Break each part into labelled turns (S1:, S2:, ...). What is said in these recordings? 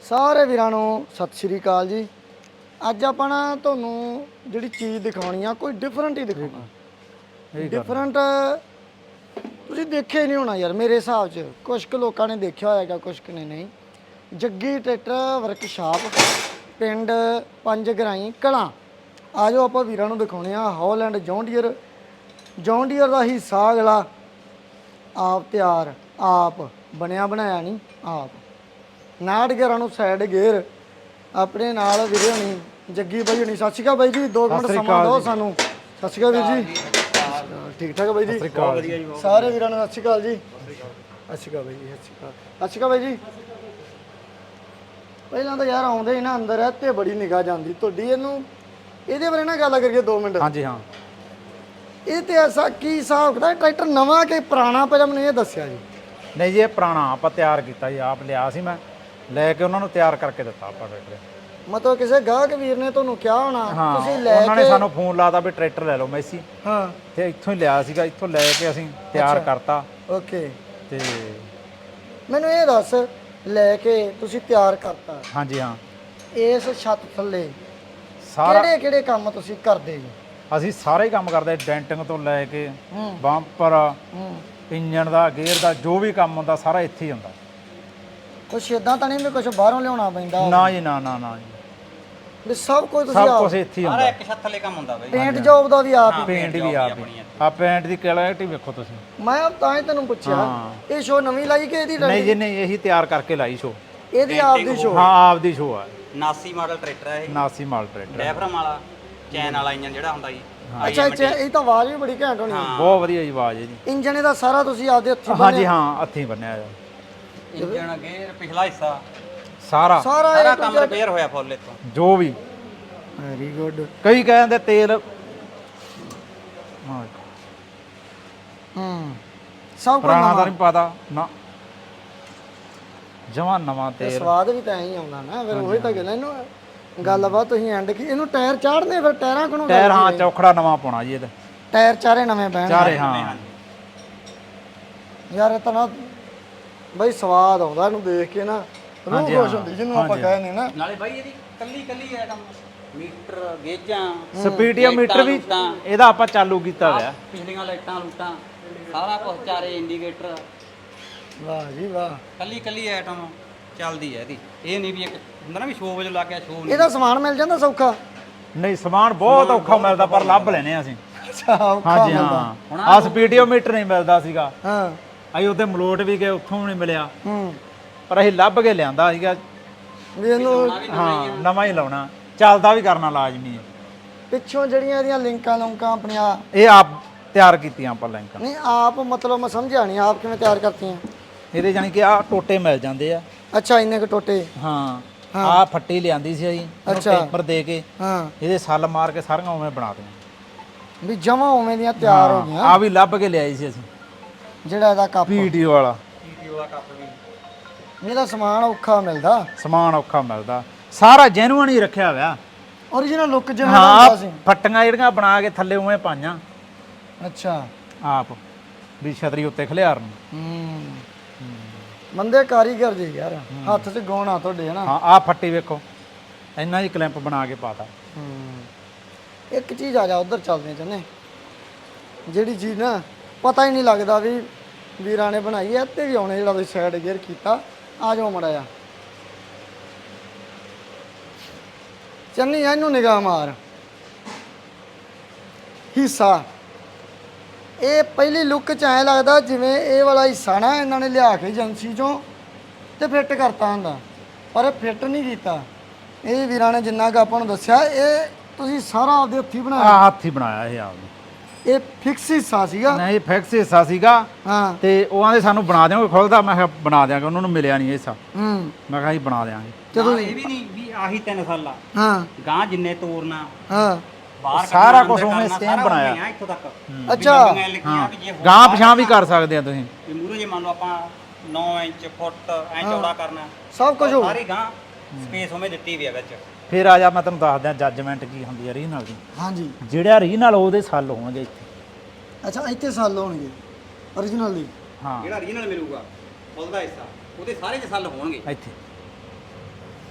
S1: ਸਾਰੇ ਵੀਰਾਂ ਨੂੰ ਸਤਿ ਸ਼੍ਰੀ ਅਕਾਲ ਜੀ। ਅੱਜ ਆਪਾਂ ਨਾ ਤੁਹਾਨੂੰ ਜਿਹੜੀ ਚੀਜ਼ ਦਿਖਾਉਣੀ ਆ ਕੋਈ ਡਿਫਰੈਂਟ ਹੀ ਦਿਖਾਉਣਾ। ਡਿਫਰੈਂਟ ਤੁਸੀਂ ਦੇਖਿਆ ਹੀ ਨਹੀਂ ਹੋਣਾ ਯਾਰ, ਮੇਰੇ ਹਿਸਾਬ 'ਚ ਕੁਝ ਕੁ ਲੋਕਾਂ ਨੇ ਦੇਖਿਆ ਹੋਏਗਾ, ਕੁਝ ਕੁ ਨੇ ਨਹੀਂ। ਜੱਗੀ ਟਰੈਕਟਰ ਵਰਕਸ਼ਾਪ, ਪਿੰਡ ਪੰਜ ਗਰਾਈ ਕਲਾਂ। ਆ ਜਾਓ ਆਪਾਂ ਵੀਰਾਂ ਨੂੰ ਦਿਖਾਉਣੇ ਆ ਹੌਲੈਂਡ ਜੌਨ ਡੀਅਰ ਦਾ ਹਿੱਸਾ ਅਗਲਾ ਆਪ ਤਿਆਰ, ਆਪ ਬਣਿਆ ਬਣਾਇਆ ਨਹੀਂ, ਆਪ 59 ਗੇਅਰਾਂ ਨੂੰ ਸਾਈਡ ਗੇਅਰ। ਆਪਣੇ ਨਾਲ ਵੀਰੇ ਹੋਣੀ ਜੱਗੀ ਬਾਈ ਹੋਣੀ। ਸਤਿ ਸ਼੍ਰੀ ਅਕਾਲ ਬਾਈ ਜੀ, 2 ਮਿੰਟ ਸਮਾਂ ਦਿਓ ਸਾਨੂੰ। ਸਤਿ ਸ਼੍ਰੀ ਅਕਾਲ ਵੀਰ ਜੀ। ਠੀਕ ਠਾਕ ਬਾਈ ਜੀ? ਸਾਰੇ ਵੀਰਾਂ ਨੂੰ ਸਤਿ ਸ਼੍ਰੀ ਅਕਾਲ ਜੀ। ਸਤਿ ਸ਼੍ਰੀ ਅਕਾਲ ਬਾਈ ਜੀ। ਸਤਿ ਸ਼੍ਰੀ ਅਕਾਲ ਬਾਈ ਜੀ। ਪਹਿਲਾਂ ਤਾਂ ਯਾਰ ਆਉਂਦੇ ਹੀ ਨਾ ਅੰਦਰ ਤੇ ਬੜੀ ਨਿਗਾਹ ਜਾਂਦੀ ਤੁਹਾਡੀ। ਇਹਦੇ ਬਾਰੇ ਨਾ ਗੱਲ ਕਰੀਏ 2 ਮਿੰਟ।
S2: ਹਾਂਜੀ ਹਾਂ।
S1: ਇਹ ਤੇ ਐਸਾ ਕੀ ਹਿਸਾਬ ਕਿਤਾਬ, ਟਰੈਕਟਰ ਨਵਾਂ ਕਿ ਪੁਰਾਣਾ ਪਹਿਲਾਂ ਮੈਨੂੰ ਇਹ ਦੱਸਿਆ ਜੀ।
S2: ਨਹੀਂ ਜੀ, ਇਹ ਪੁਰਾਣਾ ਆਪਾਂ ਤਿਆਰ ਕੀਤਾ ਜੀ, ਆਪ ਲਿਆ ਸੀ ਮੈਂ, ਲੈ ਕੇ ਉਹਨਾਂ ਨੂੰ ਤਿਆਰ ਕਰਕੇ ਦਿੱਤਾ ਆਪਾਂ ਟਰੈਕਟਰ।
S1: ਮਤਲਬ ਕਿਸੇ ਗਾਹਕ ਵੀਰ ਨੇ ਤੁਹਾਨੂੰ ਕਿਹਾ ਹੋਣਾ, ਤੁਸੀਂ ਲੈ
S2: ਉਹਨਾਂ ਨੇ ਸਾਨੂੰ ਫੋਨ ਲਾਤਾ ਵੀ ਟਰੈਕਟਰ ਲੈ ਲਓ ਮੈਸੀ।
S1: ਹਾਂ,
S2: ਤੇ ਇੱਥੋਂ ਹੀ ਲਿਆ ਸੀਗਾ, ਇੱਥੋਂ ਲੈ ਕੇ ਅਸੀਂ ਤਿਆਰ ਕਰਤਾ।
S1: ਓਕੇ।
S2: ਤੇ
S1: ਮੈਨੂੰ ਇਹ ਦੱਸ, ਲੈ ਕੇ ਤੁਸੀਂ ਤਿਆਰ ਕਰਤਾ,
S2: ਹਾਂਜੀ ਹਾਂ,
S1: ਇਸ ਛੱਤ ਥੱਲੇ
S2: ਸਾਰਾ
S1: ਕਿਹੜੇ ਕੰਮ ਤੁਸੀਂ ਕਰਦੇ ਜੀ?
S2: ਅਸੀਂ ਸਾਰੇ ਹੀ ਕੰਮ ਕਰਦੇ, ਡੈਂਟਿੰਗ ਤੋਂ ਲੈ ਕੇ ਬੰਪਰ, ਇੰਜਣ ਦਾ, ਗੇਅਰ ਦਾ, ਜੋ ਵੀ ਕੰਮ ਹੁੰਦਾ ਸਾਰਾ ਇੱਥੇ ਹੀ ਹੁੰਦਾ।
S1: ਕੁਛ ਇਦਾਂ ਤਾਂ ਨਹੀਂ ਵੀ ਕੁਛ ਬਾਹਰੋਂ ਲਿਆਉਣਾ ਪੈਂਦਾ?
S2: ਨਾ ਜੀ, ਨਾ ਨਾ ਨਾ ਜੀ,
S1: ਵੀ ਸਭ ਕੁਝ ਤੁਸੀਂ
S2: ਸਭ ਕੁਝ ਇੱਥੇ ਹੀ ਹੁੰਦਾ।
S3: ਇੱਕ ਛੱਤ ਥੱਲੇ ਕੰਮ ਹੁੰਦਾ ਬਈ।
S1: ਪੇਂਟ ਜੌਬ ਦਾ ਵੀ ਆਪ ਹੀ?
S2: ਪੇਂਟ ਵੀ ਆਪ ਹੀ। ਆ ਪੇਂਟ ਦੀ ਕੁਆਲਿਟੀ ਵੇਖੋ ਤੁਸੀਂ।
S1: ਮੈਂ ਤਾਂ ਹੀ ਤੈਨੂੰ ਪੁੱਛਿਆ, ਇਹ ਸ਼ੋ ਨਵੀਂ ਲਾਈ ਕਿ ਇਹਦੀ?
S2: ਨਹੀਂ ਜੀ ਨਹੀਂ, ਇਹੀ ਤਿਆਰ ਕਰਕੇ ਲਾਈ ਸ਼ੋ।
S1: ਇਹਦੀ ਆਪ ਦੀ ਸ਼ੋ?
S2: ਹਾਂ, ਆਪ ਦੀ ਸ਼ੋ ਆ।
S3: 89 ਮਾਡਲ ਟਰੈਕਟਰ ਹੈ ਇਹ।
S2: 89 ਮਾਡਲ ਟਰੈਕਟਰ,
S3: ਡੈਫਰਮ ਵਾਲਾ ਚੈਨ ਵਾਲਾ ਇੰਜਨ ਜਿਹੜਾ ਹੁੰਦਾ ਜੀ।
S1: ਅੱਛਾ ਅੱਛਾ, ਇਹ ਤਾਂ ਆਵਾਜ਼ ਵੀ ਬੜੀ ਘੈਂਟ ਹੋਣੀ।
S2: ਬਹੁਤ ਵਧੀਆ ਜੀ ਆਵਾਜ਼ ਹੈ ਜੀ।
S1: ਇੰਜਨ ਇਹਦਾ ਸਾਰਾ ਤੁਸੀਂ ਆਪਦੇ ਹੱਥੀਂ
S2: ਹਾਂਜੀ ਹਾਂ, ਹੱਥੀਂ ਬੰਨਿਆ ਜਾ
S3: ਇੰਜਨ ਗੇਅਰ ਪਿਛਲਾ ਹਿੱਸਾ
S2: ਸਾਰਾ
S3: ਸਾਰਾ ਕੰਮ ਰਿਪੇਅਰ ਹੋਇਆ ਫੁੱਲ ਇੱਥੋਂ।
S2: ਜੋ ਵੀ।
S1: Very good.
S2: ਕਈ ਕਹਿੰਦੇ ਤੇਲ
S1: ਸਭ ਕੁਝ
S2: ਪੁਰਾਣਾ ਤਾਂ ਨਹੀਂ ਪਤਾ ਨਾ, ਜਮਾਂ ਨਵਾਂ ਤੇਲ।
S1: ਸਵਾਦ ਵੀ ਤਾਂ ਐਂ ਹੀ ਆਉਂਦਾ ਨਾ ਫਿਰ। ਉਹੀ ਤਾਂ ਗੱਲ ਹੈ। ਇਹਨੂੰ ਗੱਲਬਾਤ ਤੁਸੀਂ ਐਂਡ ਕੀ, ਇਹਨੂੰ ਟਾਇਰ ਚਾੜਨੇ ਫਿਰ? ਟਾਇਰਾਂ ਕੋਲੋਂ
S2: ਟਾਇਰ ਹਾਂ, ਚੌਖੜਾ ਨਵਾਂ ਪਾਉਣਾ ਜੀ ਇਹਦਾ।
S1: ਟਾਇਰ ਚਾਰੇ ਨਵੇਂ ਪੈਣ
S2: ਚਾਰੇ ਹਾਂ।
S1: ਯਾਰ ਇਹ ਤਾਂ ਨਾ ਬਈ ਸਵਾਦ ਆਉਂਦਾ ਇਹਨੂੰ ਦੇਖ ਕੇ ਨਾ, ਰੂਹ ਖੁਸ਼ ਹੁੰਦੀ ਜਿਹਨੂੰ ਆਪਾਂ ਕਹਿੰਦੇ ਨਾ।
S3: ਨਾਲੇ ਬਾਈ ਇਹਦੀ ਕੱਲੀ ਆਈਟਮ, ਮੀਟਰ, ਗੇਜਾਂ,
S2: ਸਪੀਡੀਆ ਮੀਟਰ ਵੀ ਇਹਦਾ ਆਪਾਂ ਚਾਲੂ ਕੀਤਾ ਹੋਇਆ।
S3: ਪਿਛਲੀਆਂ ਲਾਈਟਾਂ ਲੂਟਾਂ ਸਾਰਾ ਕੁਝ, ਚਾਰੇ ਇੰਡੀਕੇਟਰ।
S1: ਵਾਹ ਜੀ ਵਾਹ।
S3: ਕੱਲੀ ਆਈਟਮ ਚੱਲਦੀ ਹੈ ਇਹਦੀ। ਇਹ ਨਹੀਂ ਵੀ ਇੱਕ ਹੁੰਦਾ ਨਾ ਵੀ ਸ਼ੋਅ ਵਜੋਂ ਲਾ ਕੇ ਸ਼ੋਅ ਨਹੀਂ।
S1: ਇਹਦਾ ਸਮਾਨ ਮਿਲ ਜਾਂਦਾ ਸੌਖਾ?
S2: ਨਹੀਂ, ਸਮਾਨ ਬਹੁਤ ਔਖਾ ਮਿਲਦਾ, ਪਰ ਲੱਭ ਲੈਨੇ ਅਸੀਂ।
S1: ਅੱਛਾ, ਔਖਾ
S2: ਹਾਂਜੀ
S1: ਮਿਲਦਾ।
S2: ਹਾਂ। ਆ ਸਪੀਡੀਓ ਮੀਟਰ ਨਹੀਂ ਮਿਲਦਾ ਸੀਗਾ।
S1: ਹਾਂ,
S2: ਅਸੀਂ ਉੱਥੇ ਮਲੋਟ ਵੀ ਗਏ, ਉੱਥੋਂ ਵੀ ਨਹੀਂ ਮਿਲਿਆ। ਪਰ ਅਸੀਂ ਲੱਭ ਕੇ ਲਿਆਂਦਾ ਸੀਗਾ।
S1: ਵੀ ਇਹਨੂੰ
S2: ਹਾਂ, ਨਵਾਂ ਹੀ ਲਾਉਣਾ, ਚੱਲਦਾ ਵੀ ਕਰਨਾ ਲਾਜ਼ਮੀ ਹੈ।
S1: ਪਿੱਛੋਂ ਜਿਹੜੀਆਂ ਇਹਦੀਆਂ ਲਿੰਕਾਂ ਆਪਣੀਆਂ
S2: ਇਹ ਆਪ ਤਿਆਰ ਕੀਤੀਆਂ ਆਪਾਂ ਲਿੰਕਾਂ।
S1: ਨਹੀਂ ਆਪ, ਮਤਲਬ ਮੈਂ ਸਮਝਿਆ ਨਹੀਂ, ਆਪ ਕਿਵੇਂ ਤਿਆਰ ਕਰਤੀਆਂ?
S2: ਇਹਦੇ ਜਾਨੀ ਕਿ ਆ ਟੋਟੇ ਮਿਲ ਜਾਂਦੇ ਆ।
S1: ਅੱਛਾ, ਇੰਨੇ ਕੁ ਟੋਟੇ?
S2: ਹਾਂ, ਆ ਫੱਟੀ ਲਿਆਂਦੀ ਸੀ ਅਸੀਂ,
S1: ਅੱਛਾ,
S2: ਪੇਪਰ ਦੇ ਕੇ
S1: ਹਾਂ,
S2: ਇਹਦੇ ਸੱਲ ਮਾਰ ਕੇ ਸਾਰੀਆਂ ਉਵੇਂ ਬਣਾ ਦਿੱਤੀਆਂ
S1: ਵੀ ਜਮਾ ਉਵੇਂ ਦੀਆਂ ਤਿਆਰ ਹੋ ਗਈਆਂ।
S2: ਆ ਵੀ ਲੱਭ ਕੇ ਲਿਆਈ ਸੀ ਅਸੀਂ,
S1: ਜਿਹੜਾ ਇਹਦਾ ਕੱਪ
S2: ਪੀਟੀਓ ਵਾਲਾ।
S3: ਪੀਟੀਓ ਦਾ ਕੱਪ ਵੀ।
S1: ਇਹਦਾ ਸਮਾਨ ਔਖਾ ਮਿਲਦਾ?
S2: ਸਮਾਨ ਔਖਾ ਮਿਲਦਾ, ਸਾਰਾ ਜੈਨੂਅਨ ਹੀ ਰੱਖਿਆ ਹੋਇਆ।
S1: ਓਰੀਜਨਲ ਲੁੱਕ ਜਿਵੇਂ
S2: ਹਾਂ,
S1: ਹੁੰਦਾ ਸੀ?
S2: ਫੱਟੀਆਂ ਜਿਹੜੀਆਂ ਬਣਾ ਕੇ ਥੱਲੇ ਉਵੇਂ ਪਾਈਆਂ
S1: ਅੱਛਾ,
S2: ਆਪ ਵੀ ਛਤਰੀ ਉੱਤੇ ਖਲਿਆਰਨ।
S1: ਬੰਦੇ ਕਾਰੀਗਰ ਜੀ ਯਾਰ, ਹੱਥ 'ਚ ਗਾਉਣਾ ਤੁਹਾਡੇ ਹੈ ਨਾ।
S2: ਹਾਂ, ਆ ਫੱਟੀ ਵੇਖੋ, ਇੰਨਾ ਹੀ ਕਲੈਂਪ ਬਣਾ ਕੇ ਪਾਤਾ।
S1: ਇੱਕ ਚੀਜ਼ ਆ ਜਾ ਉਧਰ ਚੱਲਦੇ ਚਾਹੁੰਦੇ, ਜਿਹੜੀ ਚੀਜ਼ ਨਾ ਪਤਾ ਹੀ ਨਹੀਂ ਲੱਗਦਾ ਵੀ ਵੀਰਾਂ ਨੇ ਬਣਾਈ ਐ। ਤੇ ਵੀ ਆਉਣੇ ਜਿਹੜਾ ਤੁਸੀਂ ਸਾਈਡ ਗੇਅਰ ਕੀਤਾ, ਆ ਜਾਓ ਮੜਾ ਜਾ ਚੰਨੀ, ਇਹਨੂੰ ਨਿਗਾਹ ਮਾਰ। ਹਿੱਸਾ ਇਹ ਪਹਿਲੀ ਲੁੱਕ 'ਚ ਐਂ ਲੱਗਦਾ ਜਿਵੇਂ ਇਹ ਵਾਲਾ ਹਿੱਸਾ ਨਾ ਇਹਨਾਂ ਨੇ ਲਿਆ ਕੇ ਏਜੰਸੀ 'ਚੋਂ ਤੇ ਫਿੱਟ ਕਰਤਾ ਹੁੰਦਾ, ਪਰ ਇਹ ਫਿੱਟ ਨਹੀਂ ਕੀਤਾ। ਇਹ ਵੀਰਾਂ ਨੇ ਜਿੰਨਾ ਕੁ ਆਪਾਂ ਨੂੰ ਦੱਸਿਆ, ਇਹ ਤੁਸੀਂ ਸਾਰਾ ਆਪਦੇ ਹੱਥੀਂ ਬਣਾਇਆ?
S2: ਆ ਹੱਥ ਹੀ ਬਣਾਇਆ ਇਹ ਆਪ।
S1: ਇਹ ਫਿਕਸ ਹਿੱਸਾ ਸੀਗਾ?
S2: ਨਹੀਂ, ਫਿਕਸ ਹਿੱਸਾ ਸੀਗਾ।
S1: ਹਾਂ,
S2: ਤੇ ਉਹ ਆਂਦੇ ਸਾਨੂੰ ਬਣਾ ਦਿਆਂਗੇ ਖੁੱਲਦਾ। ਮੈਂ ਕਿਹਾ ਬਣਾ ਦਿਆਂਗੇ, ਉਹਨਾਂ ਨੂੰ ਮਿਲਿਆ ਨਹੀਂ ਹਿੱਸਾ। ਮੈਂ ਕਿਹਾ ਅਸੀਂ ਬਣਾ ਦਿਆਂਗੇ।
S3: ਜਦੋਂ ਇਹ ਵੀ ਨਹੀਂ ਵੀ ਆਹੀ 3 ਸਾਲਾ
S1: ਹਾਂ,
S3: ਗਾਂ ਜਿੰਨੇ ਤੋਰਨਾ
S1: ਹਾਂ,
S3: ਬਾਹਰ
S2: ਸਾਰਾ ਕੁਝ ਉਵੇਂ ਸੇਮ ਬਣਾਇਆ
S3: ਇੱਥੋਂ ਤੱਕ।
S1: ਅੱਛਾ,
S2: ਗਾਂ ਪਿਛਾਂ ਵੀ ਕਰ ਸਕਦੇ ਆ ਤੁਸੀਂ।
S3: ਵੀ ਮੂਹਰੇ ਜੇ ਮੰਨ ਲਓ ਆਪਾਂ 9 ਇੰਚ ਫੁੱਟ ਐ ਚੌੜਾ ਕਰਨਾ,
S1: ਸਭ ਕੁਝ ਹੋ।
S3: ਸਾਰੀ ਗਾਂ ਸਪੇਸ ਉਵੇਂ ਦਿੱਤੀ ਵੀ ਆ ਵਿੱਚ।
S2: ਫਿਰ ਆ ਜਾ, ਮੈਂ ਤੁਹਾਨੂੰ ਦੱਸ ਦਿਆਂ ਜੱਜਮੈਂਟ ਕੀ ਹੁੰਦੀ ਹੈ ਰੀਜਨਲ ਦੀ।
S1: ਹਾਂਜੀ,
S2: ਜਿਹੜਾ ਰੀਜਨਲ ਉਹਦੇ ਸੱਲ ਹੋਣਗੇ ਇੱਥੇ।
S1: ਅੱਛਾ, ਇੱਥੇ ਸੱਲ ਹੋਣਗੇ ਓਰੀਜਨਲ ਦੀ?
S2: ਹਾਂ,
S3: ਜਿਹੜਾ ਰੀਜਨਲ ਮਿਲੂਗਾ ਫੁੱਲ ਦਾ ਹਿੱਸਾ, ਉਹਦੇ ਸਾਰੇ 'ਚ ਸੱਲ ਹੋਣਗੇ
S2: ਇੱਥੇ।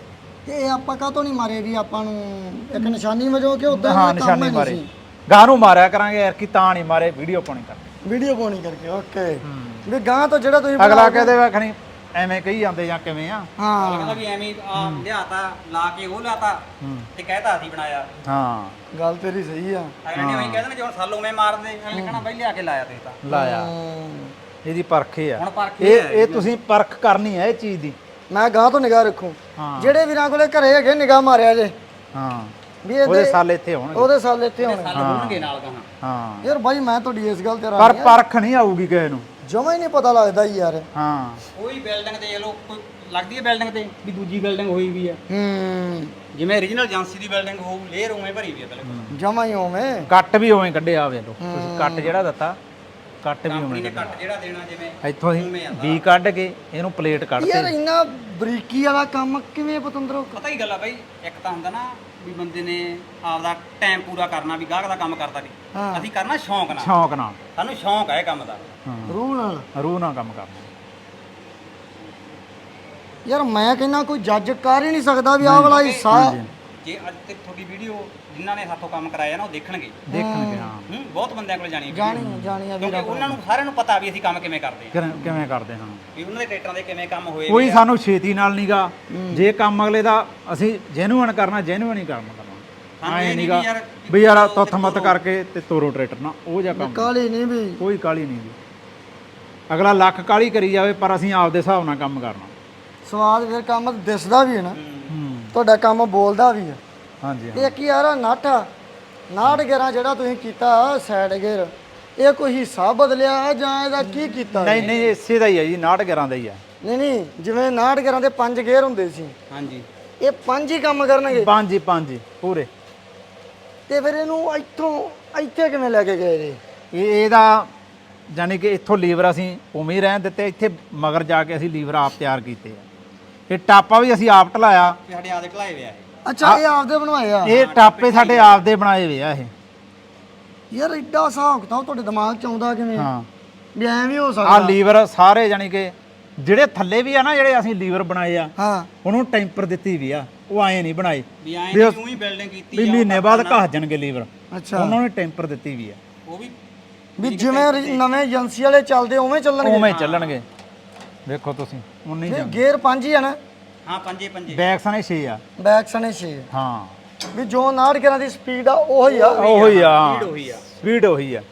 S1: ਤੇ ਇਹ ਆਪਾਂ ਕਾਹਤੋਂ ਨਹੀਂ ਮਾਰੇ ਵੀ ਆਪਾਂ ਨੂੰ ਇੱਕ ਨਿਸ਼ਾਨੀ ਵਜੋਂ ਕਿ ਉਦਾਂ
S2: ਹਾਂ ਨਿਸ਼ਾਨੀ ਮਾਰੇ ਗਾਂ ਨੂੰ ਮਾਰਿਆ ਕਰਾਂਗੇ ਯਾਰ ਕਿ ਤਾਂ ਨਹੀਂ ਮਾਰੇ ਵੀਡੀਓ ਪਾਉਣੀ ਕਰ
S1: ਵੀਡੀਓ ਪਾਉਣੀ ਕਰਕੇ ਓਕੇ ਵੀ ਗਾਂ ਤੋਂ ਜਿਹੜਾ ਤੁਸੀਂ
S2: ਅਗਲਾ ਕਹਦੇ ਵੇਖਣੀ ਐਵੇਂ ਕਹੀ ਜਾਂਦੇ ਜਾਂ ਕਿਵੇਂ ਆ
S1: ਹਾਂ
S3: ਕਹਿੰਦਾ ਵੀ ਐਵੇਂ ਆ ਲਿਆਤਾ ਲਾ ਕੇ ਉਹ ਲਿਆਤਾ ਤੇ ਕਹਿਤਾ ਅਸੀਂ ਬਣਾਇਆ।
S2: ਹਾਂ
S1: ਗੱਲ ਤੇਰੀ ਸਹੀ ਆ
S3: ਅਗਲੇ ਨੇ ਉਹੀ ਕਹਿੰਦੇ ਨੇ ਜੇ ਹੁਣ ਸਾਲੋਂ ਮੈਂ ਮਾਰਦੇ ਅਗਲੇ ਕਹਣਾ ਬਈ ਲਿਆ ਕੇ ਲਾਇਆ ਤੁਸੀਂ ਤਾਂ
S2: ਲਾਇਆ
S1: ਹਮ,
S2: ਇਹਦੀ ਪਰਖ ਇਹ ਆ
S3: ਹੁਣ ਪਰਖ
S2: ਇਹ ਤੁਸੀਂ ਪਰਖ ਕਰਨੀ ਹੈ ਇਹ ਚੀਜ਼ ਦੀ
S1: ਮੈਂ ਗਾਂ ਤੋਂ ਨਿਗਾਹ ਰੱਖੂ
S2: ਹਾਂ
S1: ਜਿਹੜੇ ਵੀਰਾਂ ਕੋਲੇ ਘਰੇ ਹੈਗੇ ਨਿਗਾਹ ਮਾਰਿਆ ਜੇ
S2: ਹਾਂ
S1: ਵੀ
S2: ਉਹਦੇ
S1: ਇਹਦੇ
S2: ਸਾਲ ਇੱਥੇ ਹੋਣਗੇ
S1: ਉਹਦੇ ਸਾਲ ਇੱਥੇ ਹੋਣੇ
S3: ਸਾਲ ਹੋਣਗੇ ਨਾਲ ਕਹਾਂ।
S2: ਹਾਂ
S1: ਯਾਰ ਬਾਈ ਮੈਂ ਤੁਹਾਡੀ ਇਸ ਗੱਲ ਤੇ
S2: ਪਰ
S1: ਰਾਜੀ ਆ
S2: ਪਰਖ ਨਹੀਂ ਆਊਗੀ ਕਿਸੇ ਨੂੰ
S1: ਜਮਾ ਹੀ ਨਹੀਂ ਪਤਾ ਲੱਗਦਾ ਯਾਰ
S2: ਹਾਂ
S3: ਕੋਈ ਬਿਲਡਿੰਗ ਦੇਖ ਲਓ ਕੋਈ ਲੱਗਦੀ ਹੈ ਬਿਲਡਿੰਗ ਤੇ ਵੀ ਦੂਜੀ ਬਿਲਡਿੰਗ ਹੋਈ ਵੀ ਆ ਜਿਵੇਂ origignal ਏਜੰਸੀ ਦੀ ਬਿਲਡਿੰਗ ਹੋਊ ਲੇਅਰ ਉਵੇਂ ਭਰੀ ਵੀ ਆ ਬਿਲਕੁਲ
S1: ਜਮਾ ਹੀ ਹੋਵੇਂ
S2: ਕੱਟ ਵੀ ਉਵੇਂ ਕੱਢਿਆ ਵੇਖ ਲਓ ਤੁਸੀਂ ਕੱਟ ਜਿਹੜਾ ਦਿੱਤਾ ਕੱਟ ਵੀ
S3: ਕੰਪਨੀ
S2: ਉਵੇਂ
S3: ਨੇ ਕੱਟ ਜਿਹੜਾ ਦੇਣਾ ਜਿਵੇਂ
S2: ਇੱਥੋਂ ਅਸੀਂ ਬੀ ਕੱਢ ਕੇ ਇਹਨੂੰ ਪਲੇਟ
S1: ਯਾਰ
S2: ਕੱਢਤੇ
S1: ਇੰਨਾ ਬਰੀਕੀ ਵਾਲਾ ਕੰਮ ਕਿਵੇਂ ਪਤੰਦਰੋ
S3: ਪਤਾ ਹੀ ਗੱਲ ਆ ਬਾਈ ਇੱਕ ਤਾਂ ਹੁੰਦਾ ਨਾ ਵੀ ਬੰਦੇ ਨੇ ਆਪਦਾ ਟਾਈਮ ਪੂਰਾ ਕਰਨਾ ਵੀ ਗਾਹਕ ਦਾ ਕੰਮ ਕਰਦਾ
S1: ਹਾਂ।
S3: ਨਹੀਂ ਅਸੀਂ ਕਰਨਾ ਸ਼ੌਂਕ ਨਾਲ
S2: ਸ਼ੌਂਕ ਨਾਲ
S3: ਸਾਨੂੰ ਸ਼ੌਂਕ ਹੈ ਇਹ ਕੰਮ ਦਾ।
S2: ਹਾਂ
S1: ਰੂਹ ਨਾਲ
S2: ਰੂਹ ਨਾਲ ਕੰਮ ਕਰਨਾ
S1: ਯਾਰ ਮੈਂ ਕਹਿੰਦਾ ਕੋਈ ਜੱਜ ਕਰ ਹੀ ਨਹੀਂ ਸਕਦਾ ਵੀ ਆਹ ਵਾਲਾ ਹਿੱਸਾ
S3: ਜੇ ਅੱਜ ਤੇ ਤੁਹਾਡੀ ਵੀਡੀਓ ਜਿਨ੍ਹਾਂ ਨੇ ਸਾਥੋਂ ਕੰਮ ਕਰਾਇਆ ਨਾ ਉਹ ਦੇਖਣਗੇ
S2: ਦੇਖਣਗੇ ਹਾਂ
S3: ਬਹੁਤ ਬੰਦਿਆਂ ਕੋਲ ਜਾਣੀ ਹੈ
S1: ਜਾਣੀ ਆ
S3: ਕਿਉਂਕਿ
S1: ਵੀਰਾ
S3: ਉਹਨਾਂ ਨੂੰ ਸਾਰਿਆਂ ਨੂੰ ਪਤਾ ਵੀ ਅਸੀਂ ਕੰਮ ਕਿਵੇਂ ਕਰਦੇ ਹਾਂ
S2: ਕਿਵੇਂ ਕਰਦੇ ਹਾਂ
S3: ਵੀ ਉਹਨਾਂ ਦੇ ਟਰੈਕਟਰਾਂ ਦੇ ਕਿਵੇਂ ਕੰਮ ਹੋਏ
S2: ਕੋਈ ਸਾਨੂੰ ਛੇਤੀ ਨਾਲ ਨਹੀਂਗਾ ਜੇ ਕੰਮ ਅਗਲੇ ਦਾ ਅਸੀਂ ਜੈਨੂਅਨ ਕਰਨਾ ਜੈਨੂਅਨ ਹੀ ਕਰਨਾ ਐ ਨਹੀਂਗਾ ਵੀ ਯਾਰ ਤੁੱਥ ਮੱਤ ਕਰਕੇ ਤੇ ਤੋਰੋ ਟਰੈਕਟਰ ਨਾ ਉਹ ਜਿਹਾ ਕੰਮ
S1: ਕਾਲੀ ਨਹੀਂ ਵੀ
S2: ਕੋਈ ਕਾਲੀ ਨਹੀਂ ਜੀ ਅਗਲਾ ਲੱਖ ਕਾਲੀ ਕਰੀ ਜਾਵੇ ਪਰ ਅਸੀਂ ਆਪਦੇ ਹਿਸਾਬ ਨਾਲ ਕੰਮ ਕਰਨਾ
S1: ਸਵਾਦ ਫਿਰ ਕੰਮ ਦਿਸਦਾ ਵੀ ਹੈ ਨਾ
S2: ਹੂੰ
S1: ਤੁਹਾਡਾ ਕੰਮ ਬੋਲਦਾ ਵੀ ਹੈ
S2: ਹਾਂਜੀ
S1: ਇਹ ਕੀ ਯਾਰ ਨਾਟਾ 69 ਜਿਹੜਾ ਤੁਸੀਂ ਕੀਤਾ ਸਾਈਡ ਗੇਅਰ ਇਹ ਕੋਈ ਹਿੱਸਾ ਬਦਲਿਆ ਜਾਂ ਇਹਦਾ ਕੀ ਕੀਤਾ
S2: ਨਹੀਂ ਨਹੀਂ ਇਸੇ ਦਾ ਹੀ ਹੈ ਜੀ 69 ਦਾ ਹੀ ਆ
S1: ਨਹੀਂ ਜਿਵੇਂ 69 ਦੇ 5 ਗੇਅਰ ਹੁੰਦੇ ਸੀ
S3: ਹਾਂਜੀ
S1: ਇਹ 5 ਹੀ ਕੰਮ ਕਰਨਗੇ
S2: ਪੰਜ ਹੀ ਪੂਰੇ
S1: ਤੇ ਫਿਰ ਇਹਨੂੰ ਇੱਥੇ ਕਿਵੇਂ ਲੈ ਕੇ ਗਏ ਜੀ
S2: ਇਹਦਾ ਯਾਨੀ ਕਿ ਇੱਥੋਂ ਲੀਵਰ ਅਸੀਂ ਉਵੇਂ ਹੀ ਰਹਿਣ ਦਿੱਤੇ ਇੱਥੇ ਮਗਰ ਜਾ ਕੇ ਅਸੀਂ ਲੀਵਰ ਆਪ ਤਿਆਰ ਕੀਤੇ ਆ ਇਹ ਟਾਪਾ ਵੀ ਅਸੀਂ ਆਪ ਢਲਾਇਆ
S3: ਵੀ ਸਾਡੇ ਆਦੇ ਢਲਾਏ ਹੋਏ ਆ
S1: ਅੱਛਾ ਇਹ ਆਪਦੇ ਬਣਵਾਏ ਆ
S2: ਇਹ ਟਾਪੇ ਸਾਡੇ ਆਪ ਦੇ ਬਣਾਏ ਹੋਏ ਆ ਇਹ
S1: ਯਾਰ ਐਡਾ ਹਿਸਾਬ ਕਿਤਾਬ ਤੁਹਾਡੇ ਦਿਮਾਗ 'ਚ ਆਉਂਦਾ ਕਿਵੇਂ
S2: ਹਾਂ
S1: ਵੀ ਐਂ ਵੀ ਹੋ
S2: ਆ
S1: ਸਕਦਾ
S2: ਲੀਵਰ ਸਾਰੇ ਯਾਨੀ ਕਿ ਜਿਹੜੇ ਥੱਲੇ ਵੀ ਆ ਨਾ ਜਿਹੜੇ ਅਸੀਂ ਲੀਵਰ ਬਣਾਏ ਆ
S1: ਹਾਂ
S2: ਉਹਨੂੰ ਟੈਂਪਰ ਦਿੱਤੀ ਵੀ ਆ ਉਹ ਐਂ ਨਹੀਂ ਬਣਾਏ
S3: ਵੀ ਐਂ ਨਹੀਂ ਤੂੰ ਹੀ ਬਿਲਡਿੰਗ ਕੀਤੀ
S2: ਵੀ ਮਹੀਨੇ ਬਾਅਦ ਘਸ ਜਾਣਗੇ ਲੀਵਰ
S1: ਅੱਛਾ
S2: ਉਹਨਾਂ ਨੂੰ ਟੈਂਪਰ ਦਿੱਤੀ ਵੀ ਆ
S3: ਉਹ ਵੀ
S1: ਵੀ ਜਿਵੇਂ ਨਵੇਂ ਏਜੰਸੀ ਵਾਲੇ ਚੱਲਦੇ ਉਵੇਂ ਚੱਲਣਗੇ
S2: ਉਵੇਂ ਚੱਲਣਗੇ ਵੇਖੋ ਤੁਸੀਂ ਉਹ ਨਹੀਂ ਜਾਂਦੇ
S1: ਗੇਅਰ 5 ਹੀ ਆ ਨਾ
S3: ਹਾਂ ਪੰਜੇ
S2: ਬੈਕ ਸਣੇ 6 ਆ
S1: ਬੈਕ ਸਣੇ 6
S2: ਹਾਂ
S1: ਵੀ ਜੋ 69 ਦੀ ਸਪੀਡ ਆ ਉਹੀ ਆ
S2: ਉਹੀ ਆ
S3: ਉਹੀ ਆ
S2: ਸਪੀਡ ਉਹੀ ਆ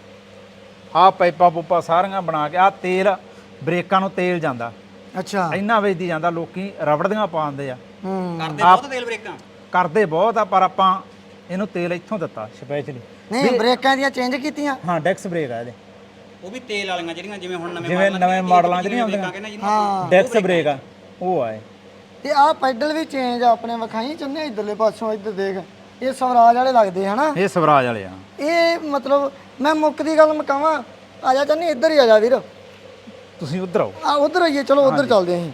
S2: ਆ ਪਾਈਪਾਂ ਪੂਪਾਂ ਸਾਰੀਆਂ ਬਣਾ ਕੇ ਆ ਤੇਲ ਬ੍ਰੇਕਾਂ ਨੂੰ ਤੇਲ ਜਾਂਦਾ
S1: ਅੱਛਾ
S2: ਇੰਨਾ ਵੇਚਦੀ ਜਾਂਦਾ ਲੋਕੀ ਰਬੜ ਦੀਆਂ ਪਾਉਂਦੇ ਆ
S3: ਕਰਦੇ ਬਹੁਤ ਤੇਲ ਬ੍ਰੇਕਾਂ
S2: ਕਰਦੇ ਬਹੁਤ ਆ ਪਰ ਆਪਾਂ ਇਹਨੂੰ ਤੇਲ ਇੱਥੋਂ ਦਿੱਤਾ ਸਪੈਸ਼ਲੀ
S1: ਨਹੀਂ ਬ੍ਰੇਕਾਂ ਦੀਆਂ ਚੇਂਜ ਕੀਤੀਆਂ
S2: ਹਾਂ ਡੈਕਸ ਬ੍ਰੇਕ ਆ ਇਹਦੇ
S3: ਉਹ ਵੀ ਤੇਲ ਵਾਲੀਆਂ ਜਿਹੜੀਆਂ ਜਿਵੇਂ ਹੁਣ
S2: ਨਵੇਂ ਮਾਡਲਾਂ 'ਚ ਨਹੀਂ ਆਉਂਦੀਆਂ
S1: ਹਾਂ
S2: ਡੈਕਸ ਬ੍ਰੇਕ ਆ ਉਹ ਆਏ
S1: ਤੇ ਆਹ ਪੈਡਲ ਵੀ ਚੇਂਜ ਆ ਆਪਣੇ ਵਿਖਾਈ ਚੰਨੇ ਇਧਰਲੇ ਪਾਸੋਂ ਇੱਧਰ ਦੇਖ ਇਹ ਸਵਰਾਜ ਵਾਲੇ ਲੱਗਦੇ ਹਨਾ
S2: ਇਹ ਸਵਰਾਜ ਵਾਲੇ ਆ
S1: ਇਹ ਮਤਲਬ ਮੈਂ ਮੁੱਕ ਦੀ ਗੱਲ ਮਕਾਵਾਂ ਆ ਜਾ ਚੰਨੀ ਇੱਧਰ ਹੀ ਆ ਜਾ ਵੀਰ
S2: ਤੁਸੀਂ ਉਧਰ ਆਓ
S1: ਆ ਉਧਰ ਆਈਏ ਚਲੋ ਉਧਰ ਚੱਲਦੇ ਆਂ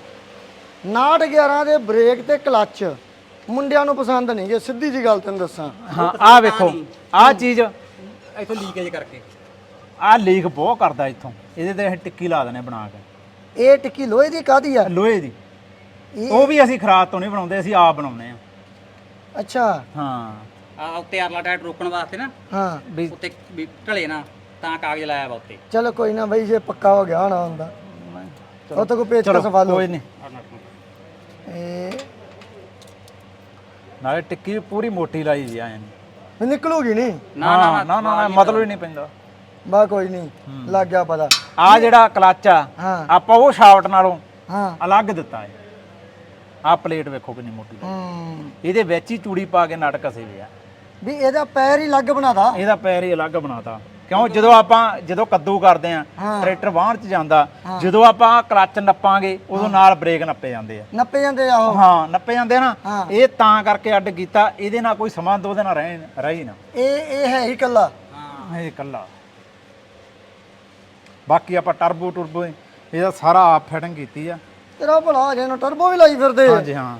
S1: 69 ਦੇ ਬ੍ਰੇਕ ਤੇ ਕਲੱਚ ਮੁੰਡਿਆਂ ਨੂੰ ਪਸੰਦ ਨਹੀਂ ਜੇ ਸਿੱਧੀ ਜੀ ਗੱਲ ਤੈਨੂੰ ਦੱਸਾਂ
S2: ਹਾਂ ਆ ਵੇਖੋ ਆ ਚੀਜ਼
S3: ਇੱਥੋਂ ਲੀਕੇਜ ਕਰਕੇ
S2: ਆ ਲੀਕ ਬਹੁਤ ਕਰਦਾ ਇੱਥੋਂ ਇਹਦੇ ਤੇ ਅਸੀਂ ਟਿੱਕੀ ਲਾ ਦਨੇ ਬਣਾ ਕੇ
S1: ਇਹ ਟਿੱਕੀ ਲੋਹੇ ਦੀ ਕਾਦੀ ਆ
S2: ਲੋਹੇ ਦੀ ਉਹ ਵੀ ਅਸੀਂ ਖਰਾਦ ਤੋਂ ਨਹੀਂ ਬਣਾਉਂਦੇ ਅਸੀਂ ਆਪ ਬਣਾਉਂਦੇ ਆ
S1: ਅੱਛਾ
S2: ਹਾਂ
S3: ਆ ਉੱਤੇ ਅਰਲਾ ਟਾਇਰ ਰੋਕਣ ਵਾਸਤੇ ਨਾ
S1: ਹਾਂ
S2: ਵੀ
S3: ਉੱਤੇ ਵੀ ਢਲੇ ਨਾ ਤਾਂ ਕਾਗਜ਼ ਲਾਇਆ ਵਾ ਉੱਤੇ
S1: ਚਲੋ ਕੋਈ ਨਾ ਬਈ ਜੇ ਪੱਕਾ ਹੋ ਗਿਆ ਹੋਣਾ ਹੁੰਦਾ ਉਹ ਤਾਂ ਕੋਈ ਪੇਚ ਕਾ ਸਵਾਲ
S2: ਕੋਈ ਨਹੀਂ
S1: ਇਹ
S2: ਨਾਲੇ ਟਿੱਕੀ ਵੀ ਪੂਰੀ ਮੋਟੀ ਲਾਈ ਜੀ ਐਂ
S1: ਵੀ ਨਿਕਲੂਗੀ ਨਹੀਂ
S2: ਨਾ ਮਤਲਬ ਹੀ ਨਹੀਂ ਪੈਂਦਾ
S1: ਬਾ ਕੋਈ ਨਹੀਂ ਲੱਗ ਗਿਆ ਪਤਾ
S2: ਆ ਜਿਹੜਾ ਕਲੱਚ ਆ
S1: ਹਾਂ
S2: ਆਪਾਂ ਉਹ ਸ਼ਾਫਟ ਨਾਲੋਂ
S1: ਹਾਂ
S2: ਅਲੱਗ ਦਿੱਤਾ ਹੈ ਆ ਪਲੇਟ ਵੇਖੋ ਕਿੰਨੀ ਮੋਟੀ ਇਹਦੇ ਵਿੱਚ ਹੀ ਚੂੜੀ ਪਾ ਕੇ ਨਟ ਕਸੇ ਵੇ ਆ
S1: ਵੀ ਇਹਦਾ ਪੈਰ ਹੀ ਅਲੱਗ ਬਣਾਦਾ
S2: ਇਹਦਾ ਪੈਰ ਹੀ ਅਲੱਗ ਬਣਾਤਾ ਕਿਉਂ ਜਦੋਂ ਕੱਦੂ ਕਰਦੇ ਆ ਟਰੈਕਟਰ ਵਾਹਣ ਚ ਜਾਂਦਾ ਜਦੋਂ ਆਪਾਂ ਕਲੱਚ ਨੱਪਾਂਗੇ ਉਦੋਂ ਨਾਲ ਬ੍ਰੇਕ ਨੱਪੇ ਜਾਂਦੇ ਆ
S1: ਨੱਪੇ ਜਾਂਦੇ ਆ ਉਹ
S2: ਹਾਂ ਨੱਪੇ ਜਾਂਦੇ ਨਾ ਇਹ ਤਾਂ ਕਰਕੇ ਅੱਡ ਕੀਤਾ ਇਹਦੇ ਨਾਲ ਕੋਈ ਸਮਾਂ ਦੋ ਦਿਨ ਰਹੀ ਨਾ
S1: ਇਹ ਹੈ ਹੀ ਕੱਲਾ
S2: ਹਾਂ ਇਹ ਇਕੱਲਾ ਬਾਕੀ ਆਪਾਂ ਟਰਬੋ ਇਹਦਾ ਸਾਰਾ ਆਪ ਫਿਟਿੰਗ ਕੀਤੀ ਆ
S1: ਤੇਰਾ ਭਲਾ ਜੇ ਨੂੰ ਟਰਬੋ ਵੀ ਲਾਈ ਫਿਰਦੇ
S2: ਹਾਂਜੀ ਹਾਂ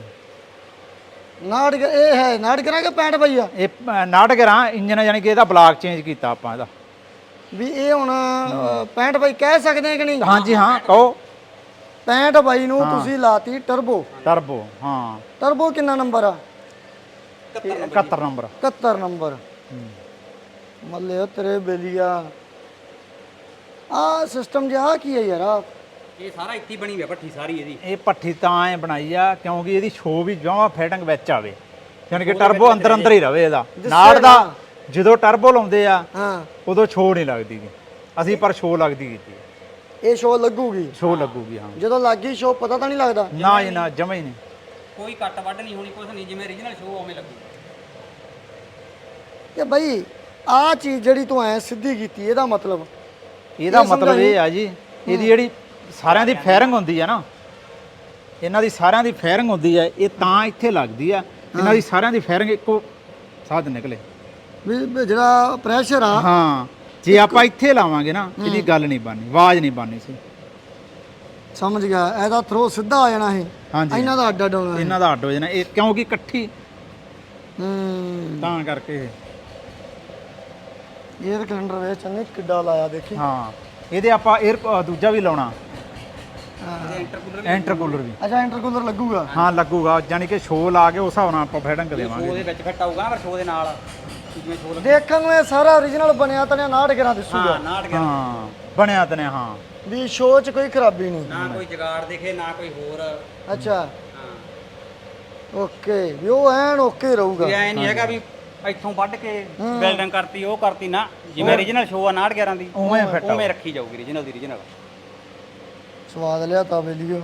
S1: ਇਹ ਹੈ 69 ਕਿ 65 ਪਈ ਆ
S2: ਇਹ 69 ਇੰਜਨ ਯਾਨੀ ਕਿ ਇਹਦਾ ਬਲਾਕ ਚੇਂਜ ਕੀਤਾ ਆਪਾਂ ਇਹਦਾ
S1: ਵੀ ਇਹ ਹੁਣ 65 ਪਈ ਕਹਿ ਸਕਦੇ ਆ ਕਿ ਨਹੀਂ
S2: ਹਾਂਜੀ ਹਾਂ ਕਹੋ
S1: 65 ਬਾਈ ਨੂੰ ਤੁਸੀਂ ਲਾਤੀ ਟਰਬੋ।
S2: ਟਰਬੋ ਹਾਂ
S1: ਟਰਬੋ ਕਿੰਨਾ ਨੰਬਰ ਆ?
S2: 71 ਨੰਬਰ
S1: 71 ਨੰਬਰ। ਮੱਲੇ ਤੇਰੇ ਬੇਲੀਆ ਆ ਸਿਸਟਮ ਜਿਹਾ ਕੀ ਹੈ ਯਾਰ? ਆ
S3: ਇਹ ਸਾਰਾ ਇੱਥੇ ਹੀ ਬਣੀ ਹੋਈ ਆ ਭੱਠੀ ਸਾਰੀ ਇਹਦੀ।
S2: ਇਹ ਪੱਠੀ ਤਾਂ ਐ ਬਣਾਈ ਆ ਕਿਉਂਕਿ ਇਹਦੀ ਸ਼ੋ ਵੀ ਜਮਾਂ ਫਿਟਿੰਗ ਵਿੱਚ ਆਵੇ, ਯਾਨੀ ਕਿ ਟਰਬੋ ਅੰਦਰ ਅੰਦਰ ਹੀ ਰਵੇ ਇਹਦਾ ਨਾਲ ਦਾ। ਜਦੋਂ ਟਰਬੋ ਲਾਉਂਦੇ ਆ
S1: ਹਾਂ
S2: ਉਦੋਂ ਸ਼ੋ ਨਹੀਂ ਲੱਗਦੀ ਗੀ, ਅਸੀਂ ਪਰ ਸ਼ੋ ਲੱਗਦੀ ਕੀਤੀ ਹੈ।
S1: ਇਹ ਸ਼ੋ ਲੱਗੂਗੀ?
S2: ਸ਼ੋ ਲੱਗੂਗੀ ਹਾਂ।
S1: ਜਦੋਂ ਲੱਗੀ ਸ਼ੋ ਪਤਾ ਤਾਂ ਨਹੀਂ ਲੱਗਦਾ?
S2: ਨਾ ਜੀ ਨਾ, ਜਮਾ ਹੀ ਨਹੀਂ।
S3: ਕੋਈ ਕੱਟ ਵੱਢ ਨਹੀਂ ਹੋਣੀ, ਕੁਝ ਨਹੀਂ, ਜਿਵੇਂ ਓਰੀਜਨਲ ਸ਼ੋ ਉਵੇਂ ਲੱਗੂ।
S1: ਇਹ ਬਾਈ ਆ ਚੀਜ਼ ਜਿਹੜੀ ਤੂੰ ਐ ਸਿੱਧੀ ਕੀਤੀ ਇਹਦਾ ਮਤਲਬ?
S2: ਇਹਦਾ ਮਤਲਬ ਇਹ ਆ ਜੀ, ਇਹਦੀ ਜਿਹੜੀ ਸਾਰਿਆਂ ਦੀ ਫਾਇਰਿੰਗ ਹੁੰਦੀ ਆ ਨਾ, ਇਹਨਾਂ ਦੀ ਸਾਰਿਆਂ ਦੀ ਫਾਇਰਿੰਗ ਹੁੰਦੀ ਆ, ਇਹ ਤਾਂ ਇੱਥੇ ਲੱਗਦੀ ਆ। ਇਹਨਾਂ ਦੀ ਸਾਰਿਆਂ ਦੀ ਫਾਇਰਿੰਗ ਇੱਕੋ ਸਾਧ ਨਿਕਲੇ
S1: ਵੀ ਜਿਹੜਾ ਪ੍ਰੈਸ਼ਰ ਆ।
S2: ਹਾਂ ਜੇ ਆਪਾਂ ਇੱਥੇ ਲਾਵਾਂਗੇ ਨਾ ਇਹਦੀ ਗੱਲ ਨਹੀਂ ਬਣਨੀ, ਆਵਾਜ਼ ਨਹੀਂ ਬਣਨੀ ਸੀ।
S1: ਸਮਝ ਗਿਆ, ਇਹਦਾ ਥਰੋ ਸਿੱਧਾ ਆ ਜਾਣਾ ਇਹ।
S2: ਹਾਂਜੀ
S1: ਇਹਨਾਂ ਦਾ ਅੱਡ ਹੋਣਾ
S2: ਇਹਨਾਂ ਦਾ ਅੱਡ ਹੋ ਜਾਣਾ ਇਹ, ਕਿਉਂਕਿ ਇਕੱਠੀ ਤਾਂ ਕਰਕੇ
S1: 에ਅਰ ਕੈਲੰਡਰ ਵੇ ਚੰਨੇ ਕਿੱਡਾ ਲਾਇਆ ਦੇਖੀ।
S2: ਹਾਂ ਇਹਦੇ ਆਪਾਂ 에ਅਰ ਦੂਜਾ ਵੀ ਲਾਉਣਾ, ਇੰਟਰਕੂਲਰ ਵੀ।
S1: ਅੱਛਾ ਇੰਟਰਕੂਲਰ ਲੱਗੂਗਾ?
S2: ਹਾਂ ਲੱਗੂਗਾ, ਯਾਨੀ ਕਿ ਸ਼ੋ ਲਾ ਕੇ ਉਸ ਹਿਸਾਬ ਨਾਲ ਆਪਾਂ ਫੈਡਿੰਗ ਦੇਵਾਂਗੇ।
S3: ਉਹਦੇ ਵਿੱਚ ਫਿੱਟ ਆਊਗਾ ਪਰ ਸ਼ੋ ਦੇ ਨਾਲ ਜਿਵੇਂ ਸ਼ੋ
S1: ਦੇਖਣ ਨੂੰ ਇਹ ਸਾਰਾ ਓਰੀਜਨਲ ਬਣਿਆ ਤਣਿਆ 69 ਦਿਸੂਗਾ।
S3: ਹਾਂ 69
S2: ਹਾਂ ਬਣਿਆ ਤਨੇ ਹਾਂ।
S1: ਵੀ ਸ਼ੋ 'ਚ ਕੋਈ ਖਰਾਬੀ ਨਹੀਂ,
S3: ਨਾ ਕੋਈ ਜਗਾੜ ਦਿਖੇ ਨਾ ਕੋਈ ਹੋਰ।
S1: ਅੱਛਾ
S3: ਹਾਂ
S1: ਓਕੇ, ਵੀ ਉਹ ਐਨ ਓਕੇ ਰਹੂਗਾ।
S3: ਇਹ ਐ ਨਹੀਂ ਹੈਗਾ ਵੀ ਇੱਥੋਂ ਵੱਢ ਕੇ ਬਿਲਡਿੰਗ ਕਰਤੀ ਉਹ ਕਰਤੀ ਨਾ, ਜਿਵੇਂ ਓਰੀਜਨਲ ਸ਼ੋ ਆ 69 11 ਦੀ
S2: ਉਵੇਂ ਫਿੱਟ
S3: ਉਵੇਂ ਰੱਖੀ ਜਾਊਗੀ ਓਰੀਜਨਲ ਦੀ ਓਰੀਜਨਲ।
S1: ਸਵਾਦ ਲਿਆ ਤਾਂ ਬੇਲੀਓ।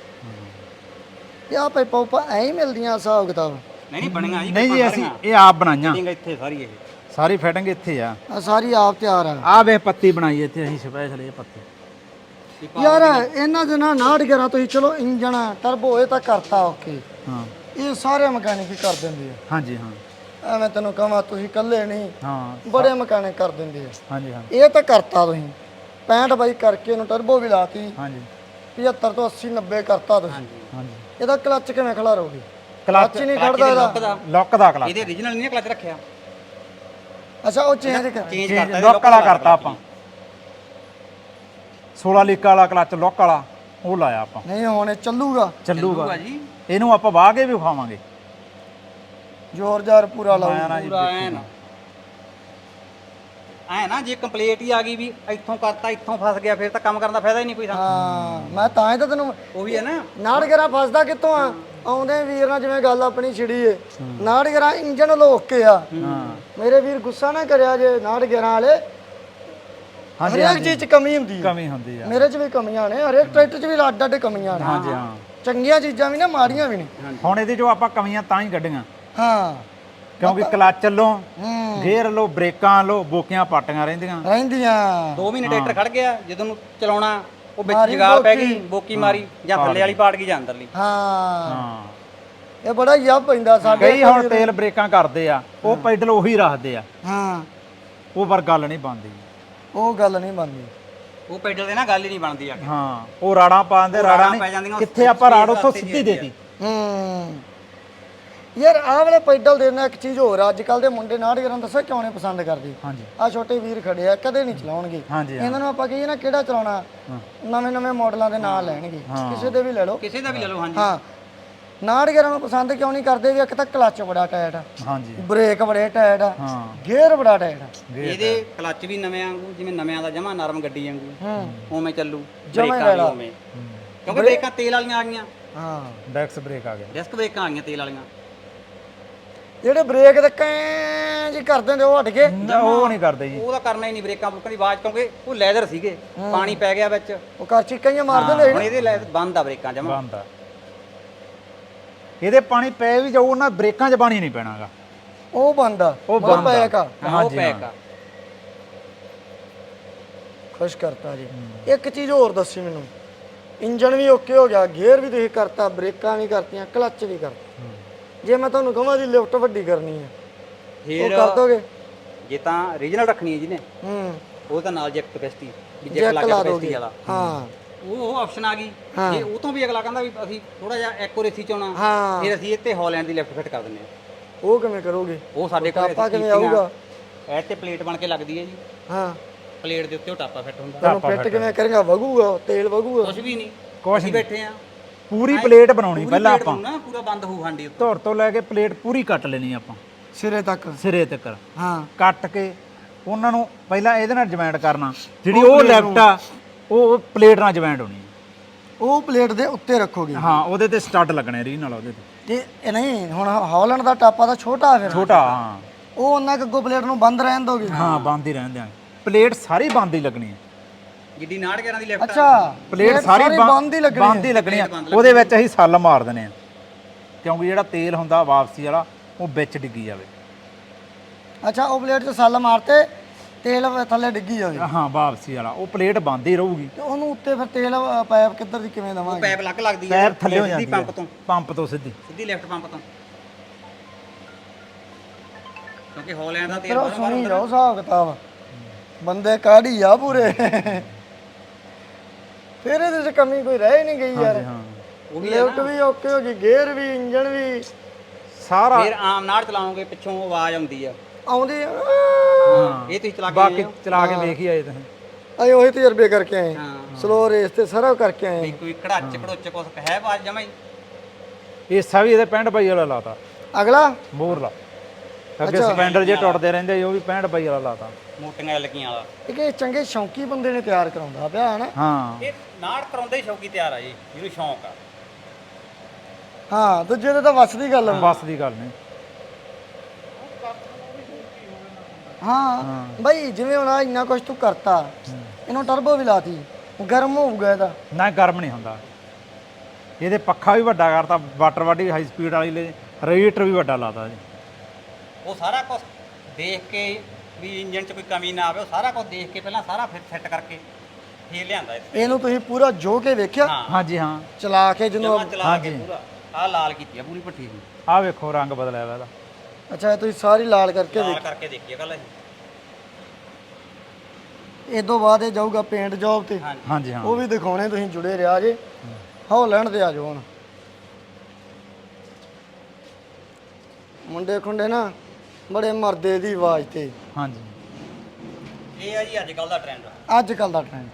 S1: ਇਹ ਆ ਪਾਈਪਾਂ ਉਪਾ ਐਂ ਹੀ ਮਿਲਦੀਆਂ ਹਿਸਾਬ ਕਿਤਾਬ?
S3: ਨਹੀਂ ਨਹੀਂ ਬਣੀਆਂ ਜੀ,
S2: ਨਹੀਂ ਜੀ ਅਸੀਂ ਇਹ ਆਪ ਬਣਾਈਆਂ,
S3: ਫਿਟਿੰਗ ਇੱਥੇ ਸਾਰੀ ਇਹ
S2: ਸਾਰੀ ਫਿਟਿੰਗ ਇੱਥੇ ਆ।
S1: ਆ ਸਾਰੀ ਆਪ ਤਿਆਰ ਆ।
S2: ਆ ਵੇ ਪੱਤੀ ਬਣਾਈ ਇੱਥੇ ਅਸੀਂ ਸਪੈਸ਼ਲ, ਇਹ ਪੱਤੀ।
S1: ਯਾਰ ਇਹਨਾਂ ਦੇ ਨਾਲ 69 11 ਤੁਸੀਂ ਚਲੋ ਇੰਜਣ ਟਰਬੋ ਇਹ ਤਾਂ ਕਰਤਾ ਓਕੇ,
S2: ਹਾਂ
S1: ਇਹ ਸਾਰੇ ਮਕੈਨਿਕ ਹੀ ਕਰ ਦਿੰਦੇ ਆ।
S2: ਹਾਂਜੀ ਹਾਂ
S1: ਐਵੇਂ ਤੈਨੂੰ ਕਹਾਂ ਤੁਸੀਂ ਇਕੱਲੇ ਨਹੀਂ,
S2: ਹਾਂ
S1: ਬੜੇ ਮਕੈਨਿਕ ਕਰ ਦਿੰਦੇ ਆ।
S2: ਹਾਂਜੀ ਹਾਂ
S1: ਇਹ ਤਾਂ ਕਰਤਾ ਤੁਸੀਂ 65 ਬਾਈ ਕਰਕੇ ਇਹਨੂੰ ਟਰਬੋ ਵੀ ਲਾਤੀ,
S2: ਹਾਂਜੀ
S1: 75 ਤੋਂ 80 90 ਕਰਤਾ ਤੁਸੀਂ।
S2: ਹਾਂਜੀ
S1: ਇਹਦਾ ਕਲੱਚ ਕਿਵੇਂ ਖਿਲਾਰੋਗੇ?
S2: ਕਲੱਚ
S1: ਕਲੱਚ ਹੀ ਨਹੀਂ ਖੜਦਾ ਇਹਦਾ।
S2: ਲੌਕ ਦਾ ਕਲੱਚ,
S3: ਇਹਦੇ ਓਰੀਜਨਲ ਨਹੀਂ ਕਲਚ ਰੱਖਿਆ,
S1: ਅੱਛਾ ਉਹ ਚੇਂਜ ਕਰ।
S3: ਚੇਂਜ ਕਰਤਾ
S2: ਲੌਕ ਵਾਲਾ ਕਰਤਾ ਆਪਾਂ। 16 ਲੀਕ ਵਾਲਾ ਕਲੱਚ ਲੌਕ ਵਾਲਾ ਉਹ ਲਾਇਆ ਆਪਾਂ।
S1: ਨਹੀਂ ਹੁਣ ਇਹ ਚੱਲੂਗਾ?
S2: ਚੱਲੂਗਾ
S3: ਜੀ,
S2: ਇਹਨੂੰ ਆਪਾਂ ਵਾਹ ਕੇ ਵੀ ਵਿਖਾਵਾਂਗੇ।
S1: ਜ਼ੋਰ ਜ਼ਾਰ ਪੂਰਾ ਲਾਓ।
S3: ਪੂਰਾ ਐ ਨਾ ਜੇ ਕੰਪਲੀਟ ਹੀ ਆ ਗਈ ਵੀ ਇੱਥੋਂ ਕਰਤਾ ਇੱਥੋਂ ਫਸ ਗਿਆ ਫਿਰ ਤਾਂ ਕੰਮ ਕਰਨ ਦਾ ਫਾਇਦਾ ਹੀ ਨਹੀਂ ਕੋਈ।
S1: ਹਾਂ ਮੈਂ ਤਾਂ ਹੀ ਤਾਂ ਤੈਨੂੰ
S3: ਉਹੀ ਹੈ ਨਾ
S1: 69 11 ਫਸਦਾ ਕਿੱਥੋਂ ਆ? ਆਉਂਦੇ ਵੀਰ ਨਾਲ ਜਿਵੇਂ ਗੱਲ ਆਪਣੀ ਛਿੜੀ ਏ 69 11 ਇੰਜਨ ਲੋਕ ਕੇ ਆ। ਮੇਰੇ ਵੀਰ ਗੁੱਸਾ ਨਾ ਕਰਿਆ ਜੇ 69 11 ਵਾਲੇ, ਹਰੇਕ ਚੀਜ਼ 'ਚ ਕਮੀ ਹੁੰਦੀ ਹੈ।
S2: ਕਮੀ ਹੁੰਦੀ ਆ,
S1: ਮੇਰੇ 'ਚ ਵੀ ਕਮੀਆਂ ਨੇ, ਹਰੇਕ ਟਰੈਕਟਰ 'ਚ ਵੀ ਅੱਡ ਅੱਡ ਕਮੀਆਂ ਨੇ।
S2: ਹਾਂਜੀ ਹਾਂ
S1: ਚੰਗੀਆਂ ਚੀਜ਼ਾਂ ਵੀ ਨੇ, ਮਾੜੀਆਂ ਵੀ ਨੇ।
S2: ਹੁਣ ਇਹਦੇ ਜੋ ਆਪਾਂ ਕਮੀਆਂ ਤਾਂ ਹੀ ਕੱਢੀਆਂ
S1: ਹਾਂ
S2: ਕਿਉਂਕਿ ਕਲੱਚ ਲੋ, ਗੇਅਰ ਲੋ, ਬ੍ਰੇਕਾਂ ਲੋ, ਬੋਕੀਆਂ ਪਾਟੀਆਂ ਰਹਿੰਦੀਆਂ।
S3: 2 ਮਹੀਨੇ ਟਰੈਕਟਰ ਖੜ ਗਿਆ, ਜਦੋਂ ਨੂੰ ਚਲਾਉਣਾ ਉਹ ਵਿੱਚ ਜਗਾਲ ਪੈ ਗਈ, ਬੋਕੀ ਮਾਰੀ ਜਾਂ ਥੱਲੇ ਵਾਲੀ ਪਾੜ ਗਈ ਜਾਂ ਅੰਦਰਲੀ।
S1: ਹਾਂ ਇਹ ਬੜਾ ਯਾਬ ਪੈਂਦਾ ਸਾਡੇ।
S2: ਕਈ ਹੁਣ ਤੇਲ ਬ੍ਰੇਕਾਂ ਕਰਦੇ ਆ, ਉਹ ਪੈਡਲ ਉਹੀ ਰੱਖਦੇ ਆ।
S1: ਹਾਂ
S2: ਉਹ ਪਰ ਗੱਲ ਨਹੀਂ ਬਣਦੀ,
S1: ਉਹ ਗੱਲ ਨਹੀਂ ਬਣਦੀ।
S3: ਉਹ ਪੈਡਲ ਦੇ ਨਾ ਗੱਲ ਹੀ ਨਹੀਂ ਬਣਦੀ ਆ ਕੇ।
S2: ਹਾਂ ਉਹ ਰਾੜਾਂ ਪਾਉਂਦੇ, ਰਾੜਾਂ
S3: ਪੈ ਜਾਂਦੀਆਂ,
S2: ਨਹੀਂ ਕਿੱਥੇ ਆਪਾਂ ਰਾੜ ਉੱਥੋਂ ਸਿੱਧੀ ਦੇਤੀ।
S1: ਯਾਰ ਆਹ ਵਾਲੇ ਪੈਡਲ ਦੇ ਨਾਲ ਇੱਕ ਚੀਜ਼ ਹੋਰ ਆ, ਅੱਜ ਕੱਲ ਦੇ ਮੁੰਡੇ 69 11 ਦੱਸੋ ਕਿਉਂ ਨਹੀਂ ਪਸੰਦ ਕਰਦੇ?
S2: ਹਾਂਜੀ
S1: ਆ ਛੋਟੇ ਵੀਰ ਖੜੇ ਆ, ਕਦੇ ਨਹੀਂ ਚਲਾਉਣਗੇ।
S2: ਹਾਂਜੀ
S1: ਇਹਨਾਂ ਨੂੰ ਆਪਾਂ ਕਹੀਏ ਨਾ ਕਿਹੜਾ ਚਲਾਉਣਾ, ਨਵੇਂ ਨਵੇਂ ਮਾਡਲਾਂ ਦੇ ਨਾਂ ਲੈਣਗੇ, ਕਿਸੇ ਦੇ ਵੀ ਲੈ ਲਓ।
S3: ਕਿਸੇ ਦਾ ਵੀ ਲੈ ਲਓ। ਹਾਂਜੀ
S1: ਹਾਂ 69 11 ਨੂੰ ਪਸੰਦ ਕਿਉਂ ਨਹੀਂ ਕਰਦੇ? ਵੀ ਇੱਕ ਤਾਂ ਕਲੱਚ ਬੜਾ ਟਾਇਟ ਆ,
S2: ਹਾਂਜੀ
S1: ਬ੍ਰੇਕ ਬੜੇ ਟਾਇਟ ਆ,
S2: ਹਾਂ
S1: ਗੇਅਰ ਬੜਾ ਟਾਇਟ ਆ।
S3: ਇਹਦੇ ਕਲੱਚ ਵੀ ਨਵੇਂ ਵਾਂਗੂ, ਜਿਵੇਂ ਨਵਿਆਂ ਦਾ ਜਮਾ ਨਰਮ ਗੱਡੀ ਵਾਂਗੂ ਉਵੇਂ ਚੱਲੂ,
S1: ਜਮਾਂ
S3: ਬ੍ਰੇਕਾਂ ਵੀ ਉਵੇਂ, ਕਿਉਂਕਿ ਬ੍ਰੇਕਾਂ ਤੇਲ ਵਾਲੀਆਂ ਆ ਗਈਆਂ,
S1: ਹਾਂ
S2: ਡੈਕਸ ਬ੍ਰੇਕ ਆ ਗਿਆ,
S3: ਡਿਸਕ ਬ੍ਰੇਕਾਂ ਆ ਗਈਆਂ ਤੇਲ ਵਾਲੀਆਂ।
S1: ਜਿਹੜੇ ਬ੍ਰੇਕ ਤੇ ਕੈਂ ਜੀ ਕਰ ਦਿੰਦੇ ਉਹ ਹਟ ਗਏ।
S2: ਉਹ ਨਹੀਂ ਕਰਦੇ ਜੀ,
S3: ਉਹਦਾ ਕਰਨਾ ਹੀ ਨਹੀਂ ਬ੍ਰੇਕਾਂ ਬੁੱਕਾਂ ਦੀ ਆਵਾਜ਼, ਕਿਉਂਕਿ ਉਹ ਲੈਦਰ ਸੀਗੇ, ਪਾਣੀ ਪੈ ਗਿਆ ਵਿੱਚ,
S1: ਉਹ ਕਰ ਚੀਕਾਂ ਹੀ ਮਾਰ ਦਿੰਦੇ।
S3: ਹੁਣ ਇਹਦੇ ਬੰਦ ਆ ਬ੍ਰੇਕਾਂ ਜਮਾ।
S2: ਬੰਦ ਆ, ਇਹਦੇ ਪਾਣੀ ਪੈ ਵੀ ਜਾਊ, ਉਹਨਾਂ ਬ੍ਰੇਕਾਂ 'ਚ ਪਾਣੀ ਨਹੀਂ ਪੈਣਾਗਾ।
S1: ਉਹ ਬੰਦ ਆ,
S2: ਉਹ
S1: ਮਤਲਬ
S2: ਬੰਦ ਆ।
S1: ਪੈਕ ਆ।
S3: ਉਹ ਪੈਕ ਆ।
S1: ਖੁਸ਼ ਕਰਤਾ ਜੀ। ਇੱਕ ਚੀਜ਼ ਹੋਰ ਦੱਸੀ ਮੈਨੂੰ, ਇੰਜਨ ਵੀ ਓਕੇ ਹੋ ਗਿਆ, ਗੇਅਰ ਵੀ ਤੁਸੀਂ ਕਰਤਾ, ਬ੍ਰੇਕਾਂ ਵੀ ਕਰਤੀਆਂ, ਕਲੱਚ ਵੀ ਕਰਤਾ। ਜੇ ਮੈਂ ਤੁਹਾਨੂੰ ਕਹਾਂ ਜੀ ਲਿਫਟ ਵੱਡੀ ਕਰਨੀ ਹੈ ਉਹ ਕਰ ਦੋਗੇ?
S3: ਜੇ ਤਾਂ ਰੀਜਨਲ ਰੱਖਣੀ ਹੈ ਜਿਹਨੇ, ਉਹ ਤਾਂ ਨਾਲ ਜੈਕ ਕਪੈਸਿਟੀ ਵੀ ਜੈਕ ਲਾ ਕਪੈਸਿਟੀ ਵਾਲਾ,
S1: ਹਾਂ
S3: ਉਹ ਆਪਸ਼ਨ ਆ ਗਈ। ਜੇ ਉਹ ਤੋਂ ਵੀ ਅਗਲਾ ਕਹਿੰਦਾ ਵੀ ਅਸੀਂ ਥੋੜਾ ਜਿਹਾ ਐਕੂਰੇਸੀ ਚਾਹਣਾ, ਫਿਰ ਅਸੀਂ ਇੱਥੇ ਹਾਲੈਂਡ ਦੀ ਲਿਫਟ ਫਿੱਟ ਕਰ ਦਿੰਦੇ ਹਾਂ।
S1: ਉਹ ਕਿਵੇਂ ਕਰੋਗੇ?
S3: ਉਹ ਸਾਡੇ ਕੋਲ
S1: ਟਾਪਾ ਕਿਵੇਂ ਆਊਗਾ?
S3: ਇਹ ਤੇ ਪਲੇਟ ਬਣ ਕੇ ਲੱਗਦੀ ਹੈ ਜੀ,
S1: ਹਾਂ
S3: ਪਲੇਟ ਦੇ ਉੱਤੇ ਉਹ ਟਾਪਾ ਫਿੱਟ ਹੁੰਦਾ।
S1: ਤੈਨੂੰ ਫਿੱਟ ਕਿਵੇਂ ਕਰੇਗਾ? ਵਗੂਗਾ ਤੇਲ ਵਗੂਗਾ?
S3: ਕੁਝ ਵੀ ਨਹੀਂ,
S2: ਕੁਛ
S3: ਅਸੀਂ
S2: ਨਹੀਂ,
S3: ਬੈਠੇ ਆ
S2: ਪੂਰੀ ਪਲੇਟ ਬਣਾਉਣੀ ਪਹਿਲਾਂ ਆਪਾਂ,
S3: ਨਾ ਪੂਰਾ ਬੰਦ ਹੋਊ ਹਾਂਡੀ ਉੱਤੇ।
S2: ਧੁਰ ਤੋਂ ਲੈ ਕੇ ਪਲੇਟ ਪੂਰੀ ਕੱਟ ਲੈਣੀ ਆਪਾਂ
S1: ਸਿਰੇ ਤੱਕ।
S2: ਸਿਰੇ ਤੱਕ,
S1: ਹਾਂ
S2: ਕੱਟ ਕੇ ਉਹਨਾਂ ਨੂੰ ਪਹਿਲਾਂ ਇਹਦੇ ਨਾਲ ਜੁਆਇੰਟ ਕਰਨਾ, ਜਿਹੜੀ ਉਹ ਲੈਫਟ ਆ ਉਹ ਪਲੇਟ ਨਾਲ ਜੁਆਇੰਟ ਹੋਣੀ।
S1: ਉਹ ਪਲੇਟ ਦੇ ਉੱਤੇ ਰੱਖੋਗੇ।
S2: ਹਾਂ ਉਹਦੇ ਤੇ ਸਟੱਡ ਲੱਗਣੇ ਰੀ ਨਾਲ ਉਹਦੇ ਤੇ।
S1: ਤੇ ਇਹ ਨਹੀਂ ਹੁਣ ਹਾਲੈਂਡ ਦਾ ਟਾਪਾ ਤਾਂ ਛੋਟਾ ਫਿਰ,
S2: ਛੋਟਾ ਹਾਂ
S1: ਉਹ ਉਹਨਾਂ ਅੱਗੋਂ ਪਲੇਟ ਨੂੰ ਬੰਦ ਰਹਿਣ ਦੋਗੇ।
S2: ਹਾਂ ਬੰਦ ਹੀ ਰਹਿਣ ਦਿਆਂਗੇ, ਪਲੇਟ ਸਾਰੀ ਬੰਦ ਹੀ ਲੱਗਣੀ ਹੈ।
S3: ਜਿੱਡੀ 69 ਦੀ ਲੈਫਟ
S1: ਅੱਛਾ
S2: ਪਲੇਟ ਸਾਰੀ
S1: ਬੰਦ ਹੀ ਲੱਗਣੀ
S2: ਬੰਦ ਹੀ ਲੱਗਣੀ ਆ। ਉਹਦੇ ਵਿੱਚ ਅਸੀਂ ਸੱਲ ਮਾਰ ਦਨੇ ਆ, ਕਿਉਂਕਿ ਜਿਹੜਾ ਤੇਲ ਹੁੰਦਾ ਵਾਪਸੀ ਵਾਲਾ ਉਹ ਵਿੱਚ ਡਿੱਗੀ ਜਾਵੇ।
S1: ਅੱਛਾ ਉਹ ਪਲੇਟ 'ਚ ਸੱਲ ਮਾਰਤੇ ਤੇਲ ਥੱਲੇ ਡਿੱਗੀ ਜਾਵੇ।
S2: ਹਾਂ ਵਾਪਸੀ ਵਾਲਾ ਉਹ ਪਲੇਟ ਬੰਦ ਹੀ ਰਹੂਗੀ।
S1: ਤੇ ਉਹਨੂੰ ਉੱਤੇ ਫਿਰ ਤੇਲ ਪਾਈਪ ਕਿੱਧਰ ਦੀ ਕਿਵੇਂ
S3: ਉਹ
S1: ਦਵਾਂਗੇ?
S3: ਪੈਪ ਲੱਗ ਲੱਗਦੀ
S2: ਪੈਰ ਥੱਲੇ ਹੋ ਜਾਂਦੀ
S3: ਪੰਪ ਤੋਂ,
S2: ਪੰਪ ਤੋਂ ਸਿੱਧੀ
S3: ਸਿੱਧੀ ਲੈਫਟ ਪੰਪ ਤੋਂ, ਕਿਉਂਕਿ ਹਾਲੈਂਡ ਦਾ ਤੇਲ
S1: ਚਲੋ ਸੁਣੀ ਜਾਓ ਹਿਸਾਬ ਕਿਤਾਬ, ਬੰਦੇ ਕਾਢੀ ਆ ਪੂਰੇ। ਫਿਰ ਇਹਦੇ 'ਚ ਕਮੀ ਕੋਈ ਰਹਿ ਹੀ ਨਹੀਂ ਗਈ ਯਾਰ।
S2: ਹਾਂ
S3: ਉਹ ਵੀ
S1: ਲਿਫਟ ਵੀ ਓਕੇ ਹੋ ਗਈ, ਗੇਅਰ ਵੀ, ਇੰਜਨ ਵੀ
S2: ਸਾਰਾ।
S3: ਫਿਰ ਆਮ ਨਾਲ ਚਲਾਓਗੇ ਪਿੱਛੋਂ ਆਵਾਜ਼ ਆਉਂਦੀ ਆ,
S1: ਆਉਂਦੀ।
S2: ਹਾਂ
S3: ਇਹ ਤੁਸੀਂ ਚਲਾ ਕੇ
S2: ਬਾਕੀ ਚਲਾ ਕੇ ਵੇਖ ਹੀ ਆਏ ਤੁਸੀਂ।
S1: ਅਸੀਂ ਉਹੀ ਤਜਰਬੇ ਕਰਕੇ ਆਏ,
S3: ਹਾਂ
S1: ਸਲੋ ਰੇਸ ਤੇ ਸਾਰਾ ਕਰਕੇ ਆਏ।
S3: ਵੀ ਕੋਈ ਘੜਾਚ ਘੜੋਚ ਕੁਛ ਹੈ ਆਵਾਜ਼ ਜਮਾ ਹੀ।
S2: ਹਿੱਸਾ ਵੀ ਇਹਦੇ 65 ਬਾਈ ਵਾਲਾ ਲਾਤਾ,
S1: ਅਗਲਾ
S2: ਮੋਰਲਾ। ਅੱਗੇ ਸਪੈਂਡਰ ਜੇ ਟੁੱਟਦੇ ਰਹਿੰਦੇ ਸੀ, ਉਹ ਵੀ 65 ਬਾਈ ਵਾਲਾ ਲਾਤਾ।
S3: ਮੋਟੀਆਂ ਲੱਗੀਆਂ ਵਾਲਾ
S1: ਇੱਕ ਇਹ ਚੰਗੇ ਸ਼ੌਂਕੀ ਬੰਦੇ ਨੇ ਤਿਆਰ ਕਰਾਉਂਦਾ ਪਿਆ ਹੈ ਨਾ।
S2: ਹਾਂ
S3: ਇਹ ਨਾੜ ਕਰਾਉਂਦੇ ਹੀ ਸ਼ੌਕੀ ਤਿਆਰ ਆ ਜੀ, ਜਿਹਨੂੰ ਸ਼ੌਂਕ ਆ।
S1: ਹਾਂ ਦੂਜੇ ਦੇ ਤਾਂ ਵੱਸ ਦੀ ਗੱਲ ਆ।
S2: ਬਸ ਦੀ ਗੱਲ ਨਹੀਂ।
S1: ਹਾਂ ਬਈ ਜਿਵੇਂ ਹੁਣ ਆਹ ਇੰਨਾ ਕੁਝ ਤੂੰ ਕਰਤਾ, ਇਹਨੂੰ ਟਰਬੋ ਵੀ ਲਾਤੀ, ਗਰਮ ਹੋਊਗਾ ਇਹਦਾ।
S2: ਨਾ ਗਰਮ ਨਹੀਂ ਹੁੰਦਾ ਇਹਦੇ। ਪੱਖਾ ਵੀ ਵੱਡਾ ਕਰਤਾ, ਵਾਟਰ ਵਾਡੀ ਹਾਈ ਸਪੀਡ ਵਾਲੀ ਲੈ, ਰੇਡੀਏਟਰ ਵੀ ਵੱਡਾ ਲਾਤਾ ਜੀ।
S3: ਉਹ ਸਾਰਾ ਕੁਝ ਦੇਖ ਕੇ ਵੀ ਇੰਜਨ 'ਚ ਕੋਈ ਕਮੀ ਨਾ ਆਵੇ, ਉਹ ਸਾਰਾ ਕੁਝ ਦੇਖ ਕੇ ਪਹਿਲਾਂ ਸਾਰਾ ਫਿਰ ਫਿੱਟ ਕਰਕੇ ਫੇਰ ਲਿਆਂਦਾ ਇੱਥੇ।
S1: ਇਹਨੂੰ ਤੁਸੀਂ ਪੂਰਾ ਜੋ ਕੇ ਵੇਖਿਆ,
S3: ਹਾਂ
S2: ਹਾਂਜੀ ਹਾਂ
S1: ਚਲਾ ਕੇ ਜਿਹਨੂੰ।
S3: ਜਮਾ ਚਲਾ ਕੇ ਪੂਰਾ ਆਹ ਲਾਲ ਕੀਤੀ ਆ ਪੂਰੀ ਭੱਠੀ ਨੂੰ,
S2: ਆਹ ਵੇਖੋ ਰੰਗ ਬਦਲਿਆ ਵਾ ਇਹਦਾ।
S1: ਅੱਛਾ ਇਹ ਤੁਸੀਂ ਸਾਰੀ ਲਾਲ ਕਰਕੇ
S3: ਲਾਲ ਕਰਕੇ ਦੇਖੀਏ ਕੱਲ ਅਸੀਂ।
S1: ਇਹ ਤੋਂ ਬਾਅਦ ਇਹ ਜਾਊਗਾ ਪੇਂਟ ਜੌਬ ਤੇ,
S3: ਹਾਂਜੀ
S2: ਹਾਂਜੀ ਹਾਂ
S1: ਉਹ ਵੀ ਦਿਖਾਉਣੇ, ਤੁਸੀਂ ਜੁੜੇ ਰਿਹਾ ਜੇ। ਹਾਲੈਂਡ ਤੇ ਆ ਜਾਓ ਹੁਣ। ਮੁੰਡੇ ਖੁੰਡੇ ਨਾ ਬੜੇ ਮਰਦੇ ਦੀ ਆਵਾਜ਼ ਤੇ।
S2: ਹਾਂਜੀ
S3: ਇਹ ਆ ਜੀ ਅੱਜ ਕੱਲ ਦਾ ਟ੍ਰੈਂਡ।
S1: ਅੱਜ ਕੱਲ ਦਾ ਟ੍ਰੈਂਡ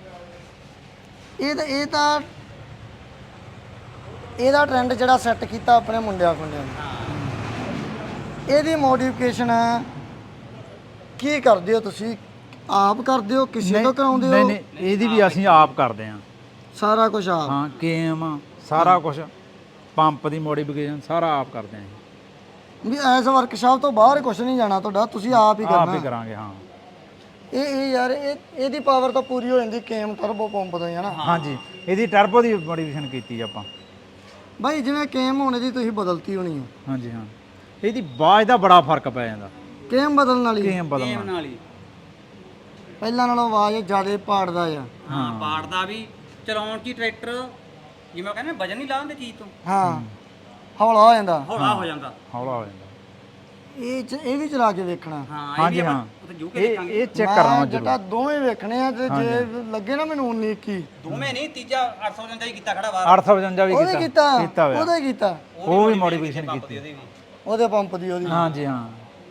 S1: ਇਹਦਾ ਟ੍ਰੈਂਡ ਜਿਹੜਾ ਸੈੱਟ ਕੀਤਾ ਆਪਣੇ ਮੁੰਡਿਆਂ ਖੁੰਡਿਆਂ ਨੇ। ਇਹਦੀ ਮੋਡੀਫਿਕੇਸ਼ਨ ਕੀ ਕਰਦੇ ਹੋ ਤੁਸੀਂ? ਆਪ ਕਰਦੇ ਹੋ, ਕਿਸੇ ਤੋਂ ਕਰਾਉਂਦੇ
S2: ਨਹੀਂ
S1: ਹੋ?
S2: ਨਹੀਂ ਇਹਦੀ ਵੀ ਅਸੀਂ ਆਪ ਕਰਦੇ ਹਾਂ।
S1: ਸਾਰਾ ਕੁਝ ਆਪ?
S2: ਹਾਂ ਕੇਮ ਸਾਰਾ ਕੁਝ, ਪੰਪ ਦੀ ਮੋਡੀਫਿਕੇਸ਼ਨ ਸਾਰਾ ਆਪ ਕਰਦੇ ਹਾਂ।
S1: ਵੀ ਐਸ ਵਰਕਸ਼ਾਪ ਤੋਂ ਬਾਹਰ ਕੁਝ ਨਹੀਂ ਜਾਣਾ ਤੁਹਾਡਾ, ਤੁਸੀਂ ਆਪ ਹੀ
S2: ਆਪ
S1: ਕਰਨਾ।
S2: ਹੀ ਕਰਾਂਗੇ ਹਾਂ।
S1: ਇਹ ਯਾਰ ਇਹਦੀ ਪਾਵਰ ਤਾਂ ਪੂਰੀ ਹੋ ਜਾਂਦੀ ਕੇਮ ਟਰਬੋ ਪੰਪ ਤੋਂ ਹੀ ਹੈ ਨਾ।
S2: ਹਾਂਜੀ ਇਹਦੀ ਟਰਬੋ ਦੀ ਮੋਡੀਫਿਕੇਸ਼ਨ ਕੀਤੀ ਆਪਾਂ।
S1: ਬਾਈ ਜਿਵੇਂ ਕੇਮ ਹੋਣੇ ਦੀ ਤੁਸੀਂ ਬਦਲਤੀ ਹੋਣੀ ਹੈ,
S2: ਹਾਂਜੀ ਹਾਂ ਇਹਦੀ ਆਵਾਜ਼ ਦਾ ਬੜਾ ਫਰਕ ਪੈ ਜਾਂਦਾ।
S1: ਕੇਮ ਬਦਲਣ ਵਾਲੀ
S2: ਕੇਮ
S3: ਗੇਮ
S2: ਬਦਲਣਾ
S3: ਨਾਲ ਹੀ
S1: ਪਹਿਲਾਂ ਨਾਲੋਂ ਆਵਾਜ਼ ਜ਼ਿਆਦਾ ਪਾੜਦਾ ਆ।
S3: ਹਾਂ ਪਾੜਦਾ ਵੀ, ਚਲਾਉਣ 'ਚ ਹੀ ਟਰੈਕਟਰ ਜਿਵੇਂ ਕਹਿੰਦੇ ਵਜਨ ਨਹੀਂ ਲਾਉਂਦੇ ਚੀਜ਼ ਤੋਂ,
S1: ਹਾਂ ਹੌਲਾ ਹੋ ਜਾਂਦਾ,
S3: ਹੌਲਾ ਹੋ ਜਾਂਦਾ।
S2: ਹੌਲਾ ਹੋ ਜਾਂਦਾ।
S1: ਇਹ ਵੀ ਚਲਾ ਕੇ ਵੇਖਣਾ।
S3: ਹਾਂ
S2: ਹਾਂਜੀ ਹਾਂ
S3: ਉੱਥੇ ਜੂ ਕੇ
S2: ਇਹ
S3: ਦੇਖਾਂਗੇ।
S2: ਇਹ ਚੈੱਕ ਕਰਨਾ
S1: ਮੈਂ
S2: ਜ਼ਰੂਰ।
S1: ਜਟਾ ਦੋਵੇਂ ਵੇਖਣੇ ਆ ਤੇ ਜੇ ਲੱਗੇ ਨਾ ਮੈਨੂੰ 19 21
S3: ਦੋਵੇਂ ਨਹੀਂ, ਤੀਜਾ 855 ਹੀ ਕੀਤਾ ਖੜਾ ਬਾਹਰ।
S2: 855 ਵੀ
S1: ਉਹਦੇ ਕੀਤਾ
S2: ਹੋਇਆ।
S1: ਉਹਦੇ ਕੀਤਾ
S2: ਉਹ ਵੀ ਮੋਡੀਫਿਕੇਸ਼ਨ ਕੀਤੀ।
S3: ਉਹਦੀ ਵੀ
S1: ਉਹਦੇ ਪੰਪ ਦੀ ਉਹਦੀ।
S2: ਹਾਂਜੀ ਹਾਂ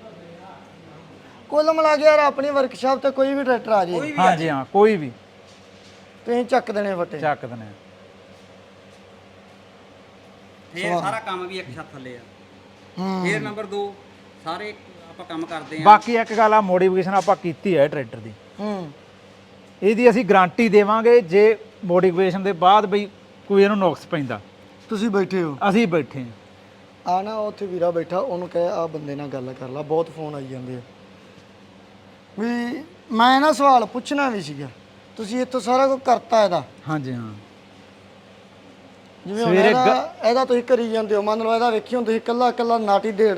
S1: ਕੁੱਲ ਮਿਲਾ ਕੇ ਯਾਰ ਆਪਣੀ ਵਰਕਸ਼ਾਪ ਤੇ ਕੋਈ ਵੀ ਟਰੈਕਟਰ ਆ ਜੇ
S2: ਹਾਂਜੀ ਹਾਂ ਕੋਈ ਵੀ
S1: ਤੁਸੀਂ ਚੱਕ ਦੇਣੇ ਫੱਟੇ।
S2: ਚੱਕ ਦਨੇ।
S3: ਫੇਰ ਸਾਰਾ ਕੰਮ ਵੀ ਇੱਕ ਛੱਤ ਥੱਲੇ ਆ। ਫੇਰ ਨੰਬਰ 2 ਸਾਰੇ ਆਪਾਂ ਕੰਮ ਕਰਦੇ ਆ।
S2: ਬਾਕੀ ਇੱਕ ਗੱਲ ਆ, ਮੋਡੀਫਿਕੇਸ਼ਨ ਆਪਾਂ ਕੀਤੀ ਹੈ ਟਰੈਕਟਰ ਦੀ,
S1: ਹੂੰ
S2: ਇਹਦੀ ਅਸੀਂ ਗਾਰੰਟੀ ਦੇਵਾਂਗੇ। ਜੇ ਮੋਡੀਫਿਕੇਸ਼ਨ ਦੇ ਬਾਅਦ ਬਈ ਕੋਈ ਇਹਨੂੰ ਨੁਕਸ ਪੈਂਦਾ,
S1: ਤੁਸੀਂ ਬੈਠੇ ਹੋ
S2: ਅਸੀਂ ਬੈਠੇ ਹਾਂ।
S1: ਆ ਨਾ ਉੱਥੇ ਵੀਰਾ ਬੈਠਾ, ਉਹਨੂੰ ਕਹੇ ਆ ਬੰਦੇ ਨਾਲ ਗੱਲ ਕਰ ਲਾ, ਬਹੁਤ ਫੋਨ ਆਈ ਜਾਂਦੇ ਆ। ਵੀ ਮੈਂ ਨਾ ਸਵਾਲ ਪੁੱਛਣਾ ਵੀ ਸੀਗਾ, ਤੁਸੀਂ ਇੱਥੋਂ ਸਾਰਾ ਕੁਝ ਕਰਤਾ ਇਹਦਾ?
S2: ਹਾਂਜੀ ਹਾਂ
S1: ਜਿਵੇਂ ਹੁਣ ਇਹਦਾ ਤੁਸੀਂ ਕਰੀ ਜਾਂਦੇ ਹੋ, ਮੰਨ ਲਓ ਇਹਦਾ ਵੇਖੀ ਹੁਣ ਤੁਸੀਂ ਕੱਲਾ ਕੱਲਾ ਨਾਟੀ ਦੇ